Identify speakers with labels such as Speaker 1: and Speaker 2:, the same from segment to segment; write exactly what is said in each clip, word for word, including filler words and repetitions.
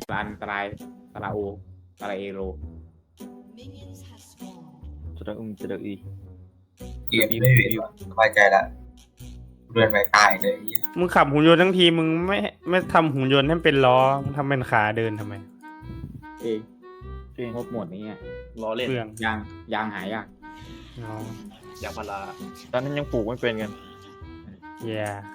Speaker 1: อันตรายตราโอตราเอโร
Speaker 2: จะได้อุ้มจะได้อี
Speaker 3: เกมไม่เวียนสบายใจละเรือนไปตายเลย
Speaker 4: มึงขับหุ่นยนต์ทั้งทีมึงไม่ไม่ทำหุ่นยนต์ให้เป็นล้อมึงทำเป็นขาเดินทำไม
Speaker 1: เองงบหมดนี้
Speaker 5: ล้อเล่น
Speaker 4: เปลือง
Speaker 1: ยางยางหายาก
Speaker 4: อ๋อย
Speaker 5: างพารา
Speaker 2: ตอนนั้นยังปลูกไม่เป็นกัน
Speaker 4: แย่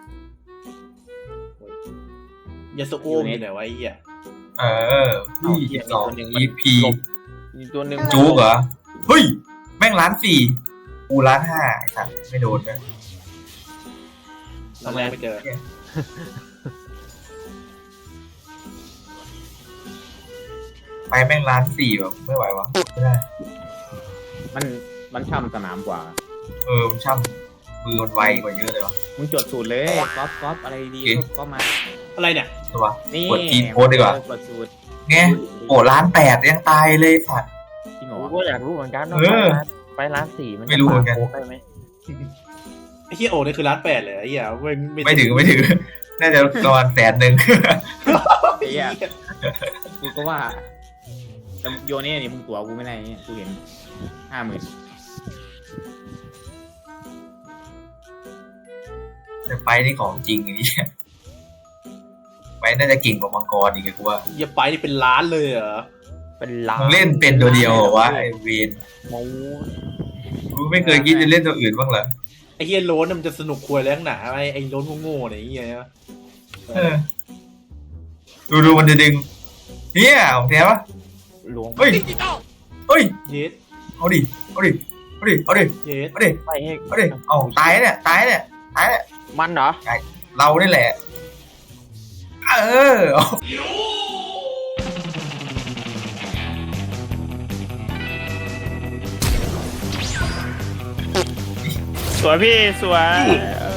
Speaker 5: ยาสุโอมอยู่ไหนวะไอ้เหี้ย
Speaker 3: เออพี่สองอีพี
Speaker 2: อีกตัวหนึ่ง
Speaker 3: จู๊กเหรอเฮ้ยแม่งล้านสี่กูล้านห้าสัตว์ไม่โดนเลย
Speaker 5: ตอนแรกไม่เจอ
Speaker 3: ไปแม่งล้านสี่แบบไม่ไหววะไม่ได้
Speaker 1: มันมันช่ำสนามกว่า
Speaker 3: เออมันช่ำมือมันไวกว่าเยอะเลยวะ
Speaker 1: มึงจดสูตรเลยก๊อปก๊อปอะไรดีก็มา
Speaker 5: อะไรเนี่ย
Speaker 3: ตัว
Speaker 1: นี่
Speaker 3: กดทีโพสดีกว่า
Speaker 1: กดสูตร
Speaker 3: ไงโอ้ล้านแปดยังตายเลยสัตว์
Speaker 1: จริงเหรอ
Speaker 2: กูก็อยากรู้เหมือนกันว่า
Speaker 3: เออ
Speaker 2: ไปร้านสี่มัน
Speaker 3: ไม่รู้เหมือนกัน
Speaker 2: โค้กได้ไหม
Speaker 5: ไอ้เหี้ยโอนี่คือร้านแปดเลยไอ้เหี้ยไม่
Speaker 3: ไม่ถึงไม่ถึงน่าจะประมาณแสนหนึ่ง
Speaker 1: ไอ้เหี้ยกูก็ว่าแต่โยนี่นี่มึงตัวกูไม่ได้เนี่ยกูเห็นห้าหมื่น
Speaker 3: แต่ไฟนี่ของจริงไอ้นี่ไฟน่าจะเก่งกว่ามังกรอีกกูว่า
Speaker 5: อย่าไปนี่เป็นล้านเลยเหรอ
Speaker 2: เป็นล้าน
Speaker 3: มึงเล่นเป็นตัวเดียวเหรอวะไอเวน
Speaker 2: โม้
Speaker 3: มึงไม่เคยคิดจะเล่นตัวอื่นบ้างเหรอ
Speaker 5: ไอ้เหี้ยโลนมันจะสนุกควยแรงหนาไอ้ไอ้โลนโง่ๆเนี่ยไอ้เหี้ย
Speaker 3: เออดูดูมันจะดึงเนี่ยของแท้ปะ
Speaker 2: หลวง
Speaker 3: เฮ้ยเฮ้ย
Speaker 5: เย็ด
Speaker 3: เอาดิเอาดิเอาดิเอาดิ
Speaker 5: เย็ด
Speaker 3: เอาดิ
Speaker 2: ไปให้
Speaker 3: เอาดิเอาตายเนี่ยตายเนี่ยตายเนี่ย
Speaker 2: มันเหรอ
Speaker 3: เรานี่แหละเออ
Speaker 4: สวยพี่สวยเออ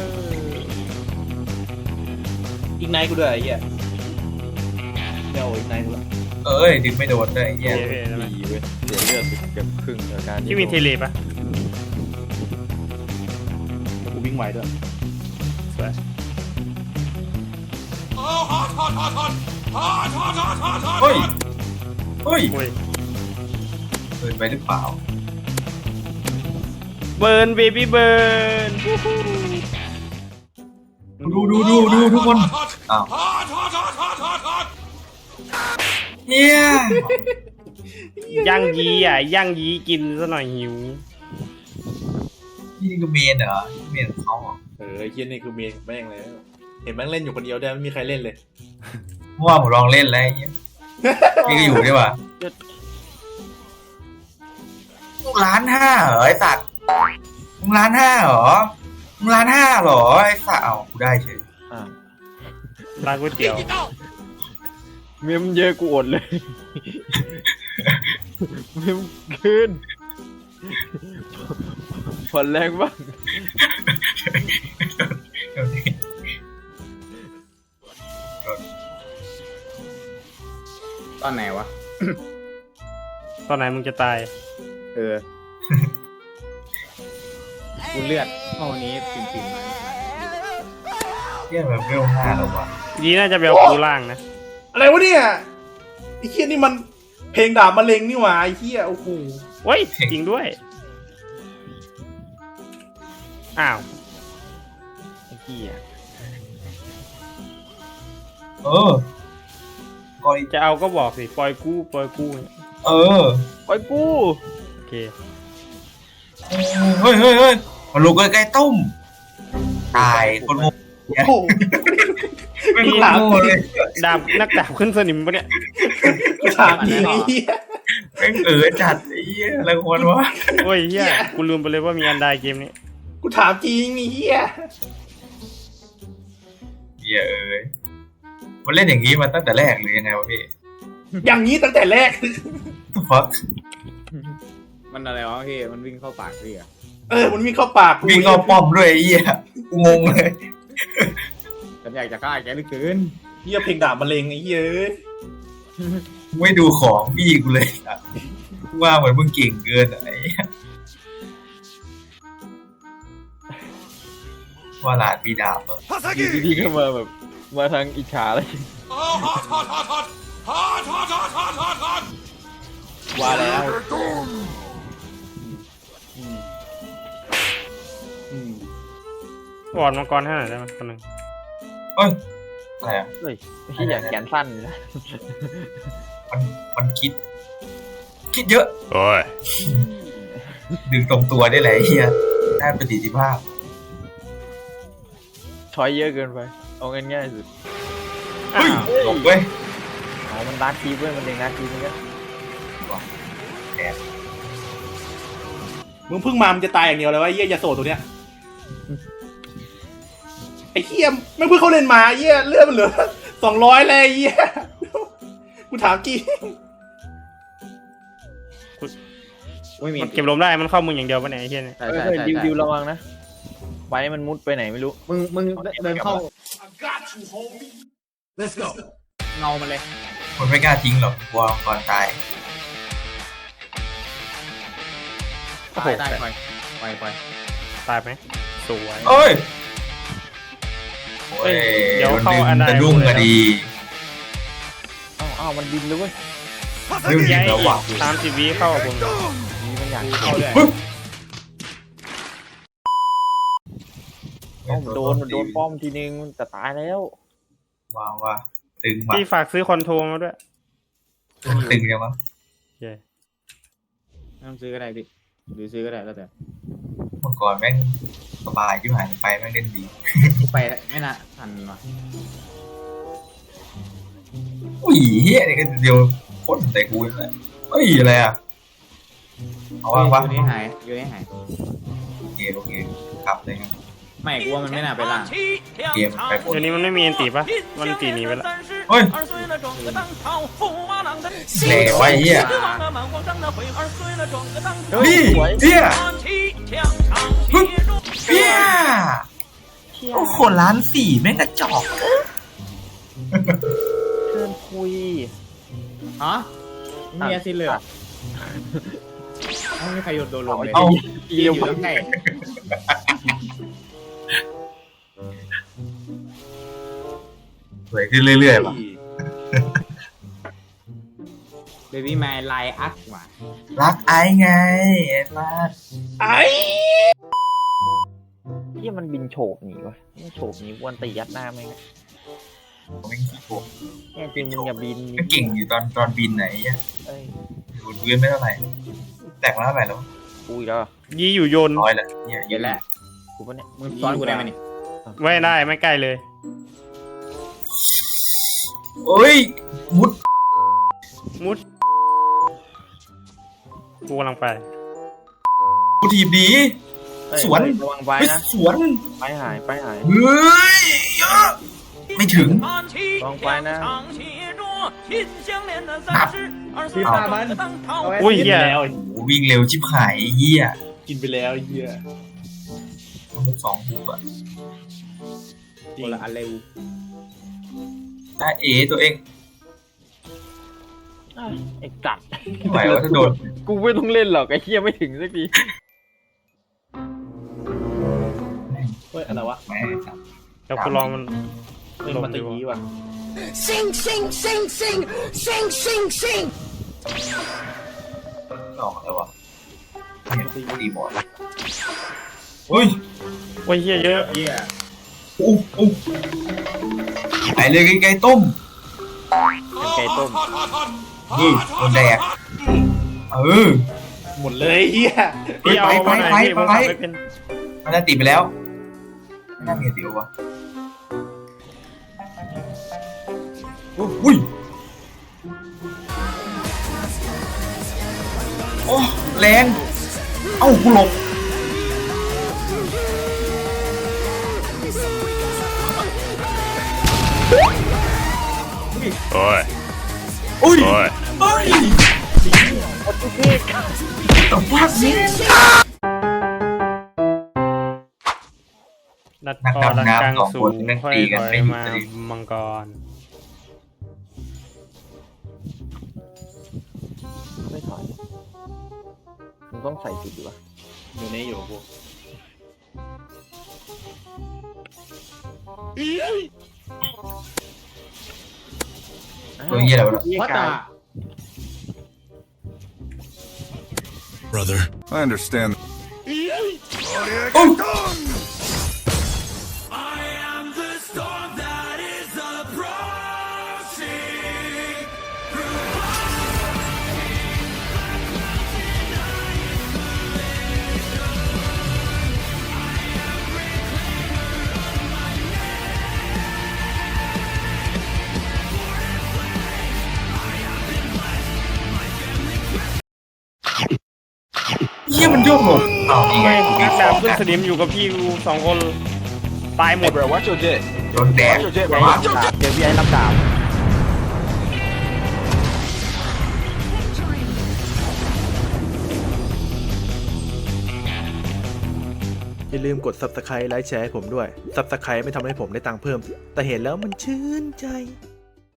Speaker 5: อีกไนท์กูด้วยไอ้เหี้ยเดี๋ยวอีกไนท์กูละ
Speaker 3: เอ้ยดึงไม่โดนเลยไอ้เหี้ย
Speaker 4: เท่ๆนะ
Speaker 2: ดีเว้ยเสียเลือดไปเกือบครึ่งจากการ
Speaker 4: ที่มีเทเลปะ
Speaker 5: แล้วกูวิ่งไวด้วย
Speaker 4: สวย
Speaker 3: เฮ้ยเฮ้ย
Speaker 4: โอ้ย
Speaker 3: เกินไปหรือเปล่า
Speaker 4: เบิร์นเบบี้เบิร์น
Speaker 3: ดูดูดูดูทุกคนอ้าวเนี่ย
Speaker 4: ย่างยีอ่ะย่างยีกินซะหน่อยหิว
Speaker 3: นี่คือเมนเหรอเมนของเขาเหรอ
Speaker 5: เออไอ้เหี้ยนี่คือเมนแม่งเลยเห็นแม่งเล่นอยู่คนเดียวได้ไม่มีใครเล่นเลย
Speaker 3: เมื่อวานผมลองเล่นแล้วไอ้เงี้ยพี่ก็อยู่ดีกว่ามึงล้านห้าเหรอไอ้สัตว์มึงล้านห้าเหรอมึงล้านห้าเหรอไอ้สัตว์เอากูได้เฉย
Speaker 2: อ่ะ
Speaker 4: ร้านก๋วยเตี๋ยว
Speaker 2: เมมเยอะกูอดเลยเมมขึ้นผ่อนแรงบ้าง
Speaker 1: ตอนไหนวะ
Speaker 4: ตอนไหนมึงจะตาย
Speaker 1: เออ กูเลือดเท่านี้ปิ่มๆมา
Speaker 3: เที่ยแบบเร็วห้าแล้ววะ
Speaker 4: ยีน่าจะไปเอาปูล่างนะ
Speaker 5: อะไรวะเนี่ยไอ้เหี้ยนี่มันเพลงดาบมะเร็งนี่หว่าไอ้เหี้ยโอ้โห
Speaker 4: โอ้ยจริงด้วยอ้าวไอ้เหี้ย
Speaker 3: เออก็อี
Speaker 4: จะเอาก็บอกสิปล่อยกู้ปล่อยกู้
Speaker 3: เออ
Speaker 2: ไปกู
Speaker 4: โอเค
Speaker 3: เฮ้ยเฮ้ยเฮ้ยมาลูกใกล้ๆต้มตายคนโง่
Speaker 5: โอ้โห
Speaker 3: ไม่รู้โง่เลย
Speaker 4: ดาบนักดาบขึ้นสนิมปะเนี่ย
Speaker 5: กูถามจริงไอ้เหี้ย
Speaker 3: แม่งเออจัดไอ้เหี้ยอะไรควรวะ
Speaker 4: โอ้ยเหี้ยกูลืมไปเลยว่ามีอันไดเกมนี้
Speaker 5: กูถามจริงไอ้เหี้ย
Speaker 3: เหี้ยเอ้ยมันเล่นอย่างนี้มาตั้งแต่แรกหรือยังไงวะพี่
Speaker 5: อย่างนี้ตั้งแต่แรก
Speaker 3: ฟัก
Speaker 1: มันอะไรวะพี่มันวิ่งเข้าปากพี่อะ
Speaker 5: เออมันวิ่งเข้าปากกู
Speaker 3: วิ่งเข้าป้อมด้วยไอ้เหี้ยกูงงเลย
Speaker 1: ฉันอยากจะฆ่าแกเหลือเกิน
Speaker 5: เหี้ยเพลงดาบมะเร็งไอ้เหี้ยเอ้ย
Speaker 3: ไม่ดูของพี่กูเลยอะว่าเหมือนมึงเก่งเกินอะไอ้เหี้ยว่าหลานพี่ดาบเหรอ
Speaker 2: อยู่ดีๆก็มาแบบมาทางอิจฉาเลย
Speaker 5: ว่าแล้วอืมอืม
Speaker 4: วอดมังกรให้หน่อยได้ไหมคนหนึ่ง
Speaker 3: เฮ้ยอะไรอ่ะ
Speaker 2: เฮ้ยไม่ใช่อย่างแขนสั้นเลยนะ
Speaker 3: มันมันคิด คิดเยอะ
Speaker 4: โอ้ย
Speaker 3: ดึงตรงตัวได้เลยไอ้เฮียได้ประสิทธิภาพ
Speaker 2: ช้อยเยอะเกินไปเอาง่ายๆสุด
Speaker 3: เฮ้ยหลบเว้ย
Speaker 2: อ๋อมันดาร์คคีเว้ยมันเองดาร์คคีมันก็
Speaker 5: มึงเพิ่งมามันจะตายอย่างเดียวเลยวะไอ้เหี้ยยาโสตัวเนี้ยไอ้เหี้ยไม่งเพิ่งเขาเล่นมาไอ้เหี้ยเลือดมันเหลือสองร้อยเลยไอ้เหี้ยกูถามกี่
Speaker 1: ไม่มี
Speaker 4: มันเก็บลมได้มันเข้ามึงอย่างเดียวปะเนี่ยไอ้เหี้ยเนี่ย
Speaker 1: ใช่
Speaker 2: เฮ้ย
Speaker 1: ใช่
Speaker 2: เฮ้ย
Speaker 1: ใช่
Speaker 2: ดิว
Speaker 1: ใช่
Speaker 2: ดิวระวังนะไว้มันมุดไปไหนไม่รู้
Speaker 1: มึงมึงเดินเข้า
Speaker 6: Let's go.
Speaker 1: เงามันเลย
Speaker 3: คนไม่กล้าทิ้งหรอกกลัวมังกรตาย
Speaker 1: ตายตายไปไปไป
Speaker 4: ตายไหมสวย
Speaker 3: เอ้ยโอ้ย
Speaker 4: เดี๋ยว
Speaker 3: โดน
Speaker 4: เข้า
Speaker 3: ดึง
Speaker 4: อันใด
Speaker 3: จะรุ่งก็ดี
Speaker 2: อ้าวอ้าวมันบินเลยเว้ย
Speaker 3: เฮ้ยมัน
Speaker 4: ยั
Speaker 3: ยิ
Speaker 4: ย
Speaker 3: งแล้วว่ะ
Speaker 4: สามสิบวิเข้ากับผม
Speaker 2: นี่มันอยาก
Speaker 1: เข้าเลย
Speaker 3: ปึ๊บ
Speaker 2: อ้าวมันโดนมันโดนป้อมทีนึงมันจะตายแล้ว
Speaker 3: ว้าวว่ะตึงว่ะ
Speaker 4: พี่ฝากซื้อคอนโทรมาด้วย
Speaker 3: ตึงเลยมั้ง
Speaker 4: เย้
Speaker 1: ไม่ต้องซื้อก็ได้พี่หรือซื้อก็ได้แล้วแต่
Speaker 3: มังกรแม่งสบายที่หายไปแม่งเล่นดี
Speaker 1: ไปไม่น่าทันว่ะ
Speaker 3: อุ้ยเฮียนี่ก็เดียวพ่นใส่กูเลยเฮ้ยอะไรอ่ะเอาว่างปะ
Speaker 1: อยู่นี่หายอยู่นี่หาย
Speaker 3: โอเคโอเคกลับเลยครับ
Speaker 1: ไม่กูว่ามันไม่น่าไปล่าง
Speaker 3: เกมไปหมด
Speaker 4: เดี๋ยวนี้มันไม่มีอันตีปะมันตีหนีไปแล้ว
Speaker 3: เฮ้ยเหลวไอ้เหี้ย
Speaker 2: เฮ้ย
Speaker 3: นี่
Speaker 2: สวย
Speaker 3: เฮียฮึบเฮียโอ้โหล้านสี่แม่งกระจอก
Speaker 2: เชิญคุย
Speaker 1: ฮะมีอาซินเลยเหรอไม่มีใครโดนโดนลงเลย
Speaker 3: เอา
Speaker 1: ยืนอยู่ตั้งไง
Speaker 3: สวยขึ้นเรื่อยๆป่ะ
Speaker 1: เบบี้ไมล์ไลอักว่ะ
Speaker 3: รักไอ้ไงไอ้มา
Speaker 5: ไอ้
Speaker 2: ที่มันบินโฉบหนีวะมันโฉบหนีวันตียัดหน้าแม่งอะ
Speaker 3: ผมไม่ขี้โกง
Speaker 2: แน่จริงมึงอย่าบิน
Speaker 3: ก็เก่งอยู่ตอนตอนบินไหนอ่ะ
Speaker 2: เอ้ย
Speaker 3: อยู่พื้นไม่เท่าไหร่แตกมาเท่าไหร่แล้ว
Speaker 2: กูอีกแล้ว
Speaker 4: ยี่อยู่โยน
Speaker 3: ร้อยแหละเนี่ย
Speaker 1: เย็นแล้ว
Speaker 2: กูปะเนี่ย
Speaker 1: มึงซ้อนกูได้ไหมนี่
Speaker 4: ไม่ได้ไม่ใกล้เลย
Speaker 3: โอ้ยมุด
Speaker 4: มุดกูกำลังไป
Speaker 3: กูถีบดี
Speaker 2: เอ้ย
Speaker 3: สวน
Speaker 2: ระวังไป
Speaker 3: ไป
Speaker 2: นะ
Speaker 3: สวน
Speaker 2: ไปหายไปหาย
Speaker 3: เฮ้ยเยอะไม่ถึง
Speaker 2: ระวังไปนะ
Speaker 1: พี่ปามัน
Speaker 4: อุ้ย
Speaker 5: กิน
Speaker 4: เหี้
Speaker 5: ไป
Speaker 4: ย
Speaker 5: แล้ว
Speaker 3: โอ้วิ่งเร็วชิบหายไอ้เหี้ย
Speaker 5: กินไปแล้วไอ้เหี้ย
Speaker 3: สองฮุกอะ
Speaker 1: คนละอันเร็ว
Speaker 3: ได้เอตัวเอง
Speaker 2: ไอ้กัด
Speaker 3: ไม่ไหวว่าถ้าโดน
Speaker 2: กูไม่ต้องเล่นหรอกไอ้เหี้ยไม่ถึงสักที
Speaker 5: เฮ้ยอะไรวะ
Speaker 3: แม่ง
Speaker 4: เดี๋ยวกูลองมัน
Speaker 5: เฮ้ยมันตะกี้ว่ะ
Speaker 6: Sing, sing, sing, sing, sing, sing, sing.
Speaker 3: หลอกอะไรวะเนี่ยตีบอลเฮ้ย
Speaker 4: โอ้ยเหี้ยเยอะ
Speaker 1: เยี่ย
Speaker 3: อู้อู้ไปเลยไกลๆต้ม
Speaker 2: เป็นไก่ต้ม
Speaker 3: เออโดนแดกเออ
Speaker 5: หมดเลยไอ้เหี้ย
Speaker 4: พี่เอา
Speaker 3: ไป
Speaker 4: มาหน่อย
Speaker 3: ไป
Speaker 4: พี่ผม
Speaker 3: ไป
Speaker 4: ขับไม่เป็น
Speaker 3: มันน่าตีไปแล้วไม่น่ามีตีวะอุ้ยโอ้แรงเอ้ากูหลบ
Speaker 4: โอ้ย
Speaker 3: อุ้ย
Speaker 4: โอ้ย
Speaker 3: เฮ้ยแต่ว่านี่
Speaker 4: ดัด
Speaker 3: นัก
Speaker 4: คอดั
Speaker 3: ดำ
Speaker 4: นกลาง
Speaker 3: น้ำสอง
Speaker 4: สู
Speaker 3: คน
Speaker 4: ง
Speaker 3: แม่ง
Speaker 4: ค่อย
Speaker 3: ตีกัน
Speaker 4: ถอย
Speaker 3: ไม่หยุด
Speaker 4: มา
Speaker 3: เลย
Speaker 4: มังกร
Speaker 2: ไม่ถอยมึงต้องใส่สุดดีวะ
Speaker 5: อยู่นี่อยู่กู
Speaker 3: ตัวเหี้ยอะไรวะ
Speaker 2: เหี้ย
Speaker 1: วัด
Speaker 2: กา
Speaker 1: ตาย
Speaker 7: brother. I understand.
Speaker 3: เฮียมันโยกหลบเอานี่ไง
Speaker 4: ไม่นักดาบขึ้นสนิมอยู่กับพี่กูสองคนตายหมด
Speaker 2: bro watch your jet
Speaker 3: โดนแดง
Speaker 2: watch your jet bro watch your jet เจอพี่ไอ้รับดาบอย่าลืมกด ซับสไครบ์ ไลค์ แชร์ให้ผมด้วย ซับสไครบ์ ไม่ทำให้ผมได้ตังค์เพิ่ม แต่เห็นแล้วมันชื่นใจ